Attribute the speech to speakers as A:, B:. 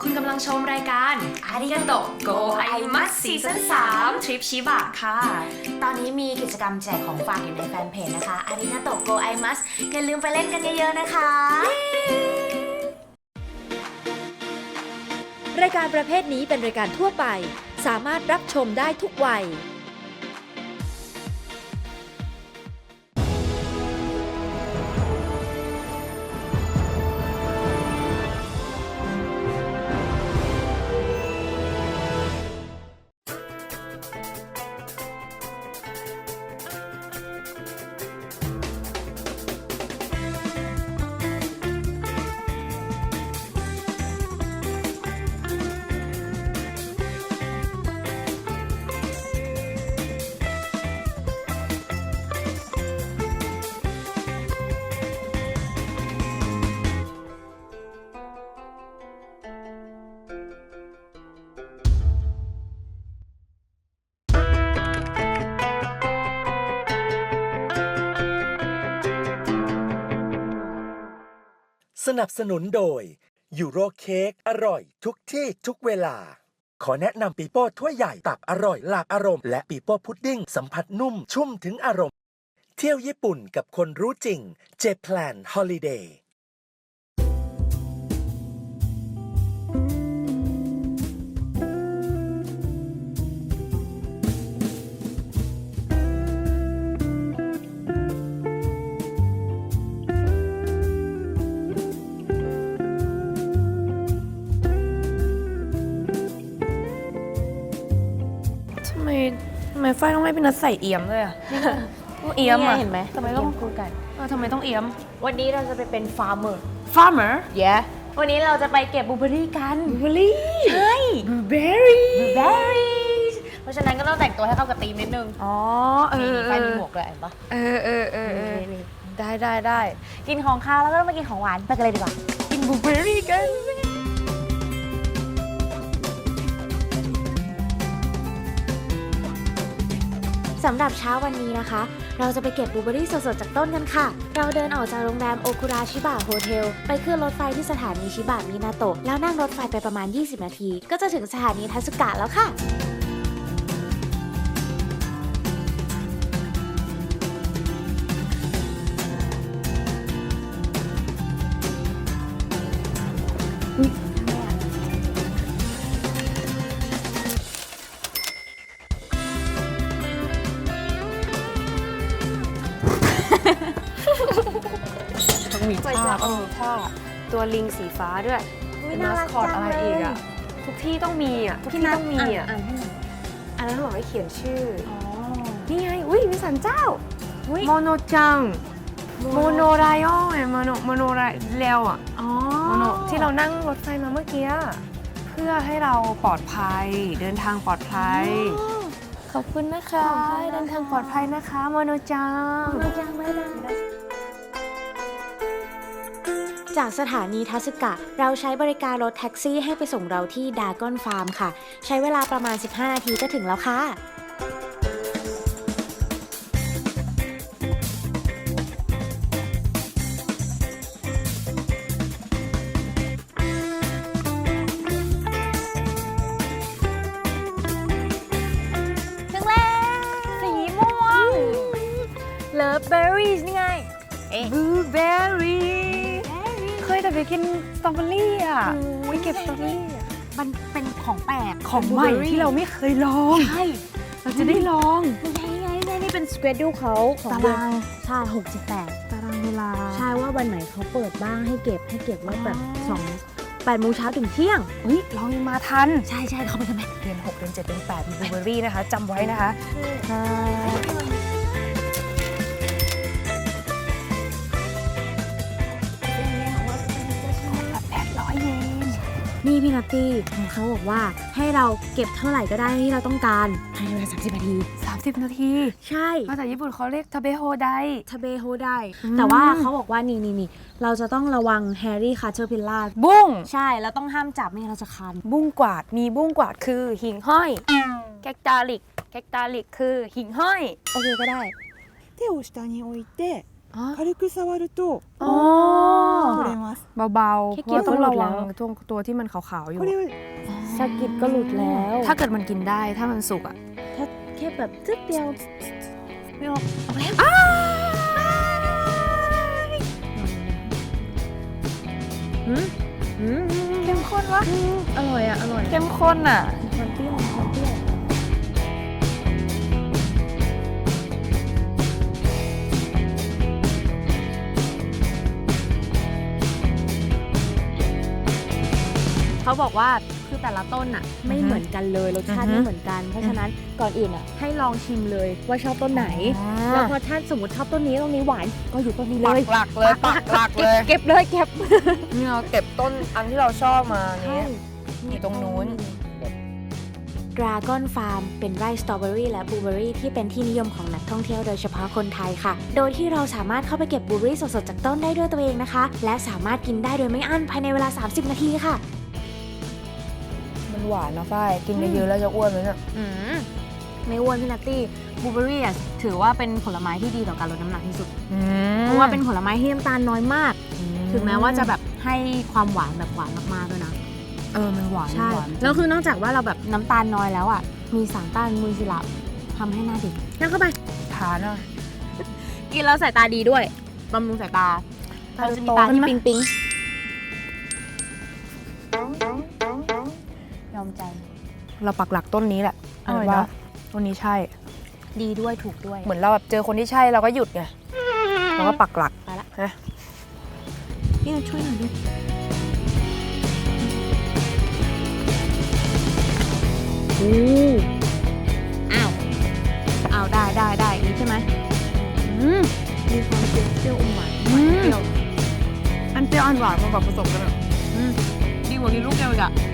A: คุณกำลังชมรายการอาริกาโตะโกไอมัสซีซั่น3ทริปชิบะค่ะ
B: ตอนนี้มีกิจกรรมแจกของฝากอยู่ในแฟนเพจนะคะอาริกาโตะโกไอมัสอย่าลืมไปเล่นกันเยอะๆนะคะ
C: รายการประเภทนี้เป็นรายการทั่วไปสามารถรับชมได้ทุกวัย
D: สนับสนุนโดยยูโรเค้กอร่อยทุกที่ทุกเวลาขอแนะนำปีโป้ถ้วยใหญ่ตักอร่อยหลากอารมณ์และปีโป้พุดดิ้งสัมผัสนุ่มชุ่มถึงอารมณ์เที่ยวญี่ปุ่นกับคนรู้จริงเจแพลนฮอลิเดย์
A: ทำไมฝ้ายต้องให้พี่นัทใส่เอี่ยมด้วยอ่ะเอี่ยมอ่ะ
B: เห็นไหม
A: ทำไมต้อง
B: คู่กัน
A: ทำไมต้องเอี่ยม
B: วันนี้เราจะไปเป็นฟาร์มเมอร์
A: farmer
B: วันนี้เราจะไปเก็บบลูเบอร์รี่กัน
A: บลูเบอร์รี่
B: ใช่
A: บลูเบอร์รี่
B: บลูเบอร์รี่เพราะฉะนั้นก็ต้องแต่งตัวให้เข้ากับธีมนิดนึง
A: อ๋อ
B: ไปมีหมวกเลยเห็นปะ
A: นี่ได้
B: กินของคาวแล้วก็ต้องมากินของหวานไปกันเลยดีกว่า
A: กินบลูเบอร์รี่กัน
B: สำหรับเช้าวันนี้นะคะ เราจะไปเก็บบลูเบอร์รี่สดๆจากต้นกันค่ะ เราเดินออกจากโรงแรมโอคุระชิบะโฮเทลไปขึ้นรถไฟที่สถานีชิบะมินาโตะแล้วนั่งรถไฟไปประมาณ 20 นาที ก็จะถึงสถานีทัสึกะแล้วค่ะ
A: ต้องมีท่าตัวลิงสีฟ้าด้วยเป็นมาสคอตอะไรอีกอ่ะทุกที่ต้องมีอ่ะทุกที่ต้องมีอ่ะอันนั้นบอกให้เขียนชื่อนี่ไงอุ้ยมีสันเจ้าโมโนจังโมโนไรโอไงโมโนไรเร็วอ่ะโมโนที่เรานั่งรถไฟมาเมื่อกี้เพื่อให้เราปลอดภัยเดินทางปลอดภัยขอบคุณนะคะเดินทางปลอดภัยนะคะโมโนจัง
B: จากสถานีทัสึกะเราใช้บริการรถแท็กซี่ให้ไปส่งเราที่ดากอนฟาร์มค่ะ ใช้เวลาประมาณ 15 นาทีก็ถึงแล้วค่ะ ถึงแล้ว
A: สีม่วง Love berries นี่ไง Blueberry เคยแต่ไปกินสตรอเบอรี่อ่ะไปเก็บสตรอเบอรี่อ่ะ
B: มันเป็นของแปลก
A: ของใหม่ที่เราไม่เคยลอง
B: ใช่
A: เราจะได้ลอง
B: นี่เป็นสเกดูเขาของ
A: ตา
B: เดือน
A: ราง
B: ใช่68
A: ตารางเวลา
B: ใช่ว่าวันไหนเขาเปิดบ้างให้เก็บว่าแบบ8 โมงเช้าถึงเที่ยง
A: เฮ้ยเรายังมาทัน
B: ใช่เขาไปกันไหม
A: เดือน 6 เดือน 7 เดือน 8 มีบลูเบอรี่นะคะจำไว้นะคะ 800 เยน
B: นี่พี่นัตตี้เขาบอกว่าให้เราเก็บเท่าไหร่ก็ได้ที่เราต้องการภายในเวลา30 นาที
A: 30 นาที
B: ใช่
A: ภาษาญี่ปุ่นเขาเรียกทาเบโฮได
B: ทะเบโฮได้ แต่ว่าเขาบอกว่านี่เราจะต้องระวังแฮร์รี่คาร์เทอร์พิลล่า
A: บุ้ง
B: ใช่แล้วต้องห้ามจับไม่งั้นเราจะคัน
A: บุ้งกวาดมีบุ้งกวาดคือหิ่งห้อยแกกตาลิกคือหิ่งห้อย
B: โอเคก็ได้
E: 手を下に置いて軽く触ると
A: อ๋อ
E: 触れます。
A: เบาๆ
B: แค่
A: เพราะว่าต้อง
B: เกี่ยวก็
A: ระ
B: หลุด
A: วัง
B: แล้ว
A: ตัวที่มันขาวๆอยู่
E: これを
B: สะกิดก็หลุดแล้ว
A: ถ้าเกิดมันกินได้ถ้ามันสุกอ่ะ
B: ถ้าแค่แบบจึ๊กเดียวไม่ออกแล้วเข้มข้นวะอร่อยอ่ะอร่อย
A: เข้มข้นอ่ะ
B: มันเปรี้ยวมันเปรี้ยว เขาบอกว่าคือแต่ละต้นอ่ะไม่เหมือนกันเลยรสชาติ
A: อือฮึ
B: ไม่เหมือนกัน เพราะฉะนั้นก่อนอื่นอ่ะให้ลองชิมเลยว่าชอบต้นไหน แล้วพอท่านสมมติชอบต้นนี้ต้นนี้หวานก็อยู่ต้นนี้เล
A: ปั
B: ย
A: กหลักเลยปักหลักเลย
B: เก็บเลยเก็บ
A: นี่เราเก็บต้นอันที่เราชอบมานี้อยู่ตรงนู้น
B: Dragon Farm เป็นไร่สตรอเบอรี่และบลูเบอรี่ที่เป็นที่นิยมของนักท่องเที่ยวโดยเฉพาะคนไทยค่ะ โดยที่เราสามารถเข้าไปเก็บบลูเบอรี่สดๆจากต้นได้ด้วยตัวเองนะคะ และสามารถกินได้โดยไม่อั้นภายในเวลา 30 นาทีค่ะ
A: มันหวานนะฝ้ายกินเยอะๆแล้วจะอ้วนไหมเนี่ย
B: ไม่อ้วนพี่นัตตี้บลูเบอรี่อ่ะถือว่าเป็นผลไม้ที่ดีต่อการลดน้ำหนักที่สุด เพราะว่าเป็นผลไม้ที่น้ำตาลน้อยมาก ถึงแม้ว่าจะแบบให้ความหวานแบบหวานมากๆด้วยนะ
A: มันหวาน
B: ใช่
A: หวาน
B: แล้วคือนอกจากว่าเราแบบน้ำตาลน้อยแล้วอ่ะ มีสารต้านอนุมูลอิสระทำให้หน้าเด็กนั่งเข้าไป
A: ทานอ่ะ
B: กินแล้วสายตาดีด้วยบำรุงสายตาเราจะมีตาที่ปิ๊งปิ๊งยอมใจ
A: เราปักหลักต้นนี้แหละ
B: อร่อย
A: ว่า
B: เนอะ
A: ต้นนี้ใช่
B: ดีด้วยถูกด้วย
A: เหมือนเราแบบเจอคนที่ใช่เราก็หยุดไงเราก็ปักหลัก
B: ไปละ
A: ฮะ
B: พี่ช่วยหน่อยดิอ้าวได้อย่างนี้ใช่ไหมมีความเปรี้ยวอมหวานเปรี้ยว
A: อันเปรี้ยวอันหวานมันแบบผสมกันอ่ะดีกว่ากินลูกเดียวอีกอ่ะ